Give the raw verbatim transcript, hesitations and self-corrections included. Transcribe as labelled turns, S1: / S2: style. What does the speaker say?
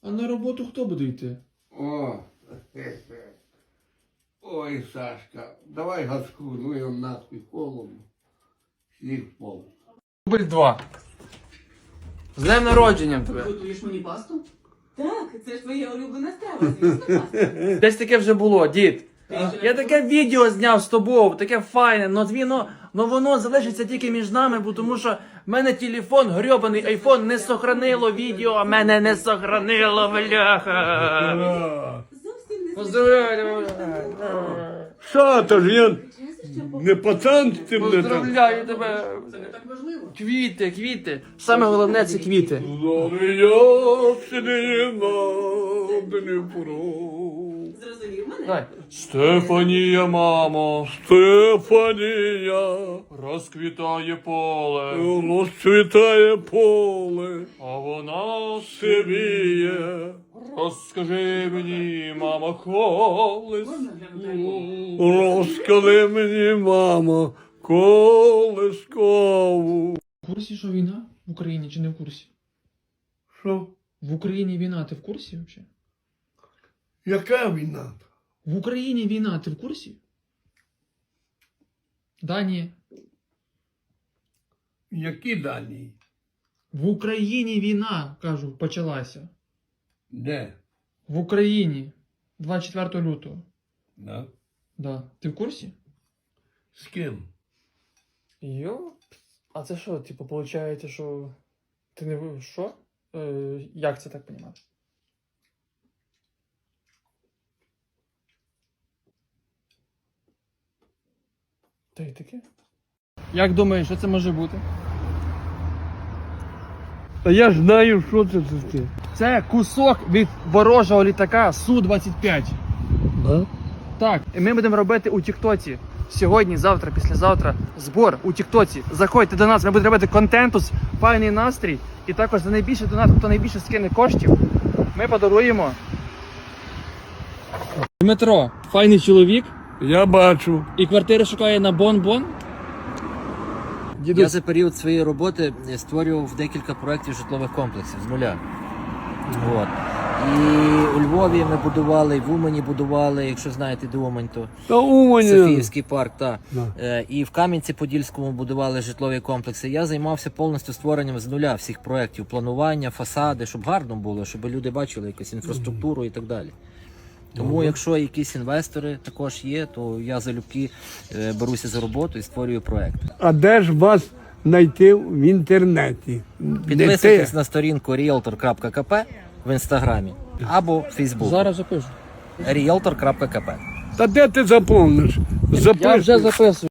S1: А на роботу хто буде йти?
S2: О, ой, Сашка, давай газку, ну його нахуй холодно. Сніг впав.
S1: Дубль два. З днем народженням тебе.
S3: Готуєш мені пасту? Так, це ж твоя улюблена страва, звісно, паста.
S1: Десь таке вже було, дід. Я таке відео зняв з тобою, таке файне, но воно, но воно залишиться тільки між нами, бо тому що в мене телефон, грьобаний айфон, не сохранило відео, а мене не сохранило, бляха.
S3: Зовсім не
S1: Поздравляю,
S2: Що, то ж я
S3: звичайно,
S2: не пацан з цим не так?
S1: поздравляю тебе.
S3: Це не так важливо.
S1: Квіти, квіти. Саме головне це квіти.
S3: Зрозумів мене?
S1: Давай. Стефанія, мамо,
S2: Стефанія,
S1: розквітає поле,
S2: розцвітає поле,
S1: а вона
S2: сивіє.
S1: Розкажи мені, мамо, колись.
S3: Можна глянути?
S2: Розкажи мені, мамо, колискову.
S1: В курсі, що війна в Україні чи не в курсі?
S2: Що?
S1: В Україні війна, ти в курсі взагалі?
S2: Яка війна?
S1: В Україні війна, ти в курсі? Да, ні.
S2: Які дані?
S1: В Україні війна, кажу, почалася.
S2: Де?
S1: В Україні. двадцять четвертого лютого.
S2: Да?
S1: Да. Ти в курсі?
S2: З ким?
S1: Йо? А це що, типу, виходить, що ти не ви- що? Е, як це так понімати? Та й таке. Як думаєш, що це може бути?
S2: Та я ж знаю, що це за ти.
S1: Це кусок від ворожого літака Су двадцять п'ять.
S2: Да?
S1: Так, і ми будемо робити у Тіктоці. Сьогодні, завтра, післязавтра збор у Тіктоці. Заходьте до нас, ми будемо робити контенту, файний настрій. І також за найбільше донат, хто найбільше скине коштів, ми подаруємо. Дмитро, файний чоловік,
S2: Я бачу.
S1: і квартири шукає на Бон-Бон.
S4: Я за період своєї роботи створював декілька проєктів житлових комплексів з нуля. От. І у Львові ми будували, і в Умані будували, якщо знаєте, де Умань, то
S2: Та Умані.
S4: Софіївський парк, та.
S2: Да.
S4: Е, І в Кам'янці-Подільському будували житлові комплекси. Я займався повністю створенням з нуля всіх проєктів, планування, фасади, щоб гарно було, щоб люди бачили якусь інфраструктуру і так далі. Тому, якщо якісь інвестори також є, то я залюбки е, беруся за роботу і створюю проєкт.
S2: А де ж вас знайти в інтернеті?
S4: Підписуйтесь на сторінку ріелтор крапка ка пе в інстаграмі або в Фейсбуку.
S1: Зараз запишу.
S4: ріелтор крапка ка пе.
S2: Та де ти заповниш?
S1: Я
S2: Запиши.
S1: вже записую.